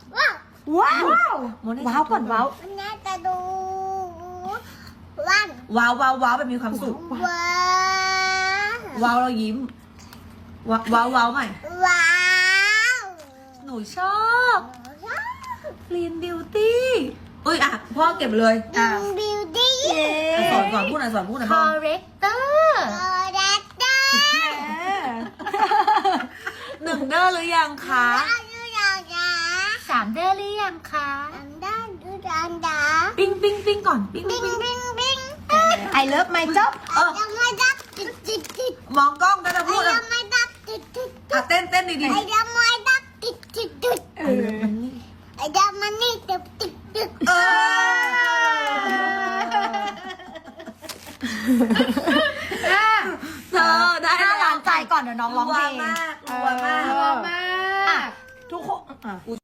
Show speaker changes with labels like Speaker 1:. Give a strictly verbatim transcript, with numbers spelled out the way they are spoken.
Speaker 1: ว้าวว้าว
Speaker 2: โมเน่
Speaker 1: ว้าวก่อนว้าว
Speaker 3: มันน่าจะดูวัน
Speaker 2: ว้าวว้าวว้าวแบบมีความสุข
Speaker 3: ว้า
Speaker 2: ว้าวเรายิ้ม ว้าวว้าวว้าวใหม่
Speaker 3: ว้าว
Speaker 2: หนูชอบคลีนบิวตี้อุ้ยอ่ะพ่อเก็บเลย
Speaker 3: ดิงบิวตี้
Speaker 2: อ่ะสอนสอนพูดหน่อยสอนพูดหน่อย
Speaker 1: ค
Speaker 2: พ่อ
Speaker 1: อเรคเตอร์
Speaker 3: โอเดตเตอร์
Speaker 2: หนึ่งเด้อหรือยังคะ
Speaker 3: อายุราดา
Speaker 1: สามเดือนหรือยังคะ
Speaker 3: อันด้านดูดานดา
Speaker 2: ปิ้งปิ้งปิ้งก่อนปิ้ง
Speaker 3: บิ
Speaker 2: ปิ้ง
Speaker 3: ง
Speaker 2: ปิ้ง
Speaker 3: บิงบิง
Speaker 1: ไอเลิฟไมจ็อบ
Speaker 2: เออ
Speaker 3: ยังไม่ดับติดติดติด
Speaker 2: มองกล้องก็จะ
Speaker 3: ไอ้
Speaker 2: พูดอ่ะ
Speaker 3: ยังไม่ดับติดติดติ
Speaker 2: อ่ะ
Speaker 3: ด
Speaker 2: เต้นเต้นดีดี
Speaker 3: ไอ้ยังไม่ดับติดติดติด
Speaker 1: เออ
Speaker 3: ไอ้ยังมันนี่ติดติดติด
Speaker 2: เออเธอได้
Speaker 1: ห้า
Speaker 2: แล้ว
Speaker 1: ล้านใจก่อนเดี๋ยวน้องร้องเพลง
Speaker 2: รัวมากรัวมาก
Speaker 1: เออ
Speaker 4: มาก
Speaker 1: ทุกคนอ่ะ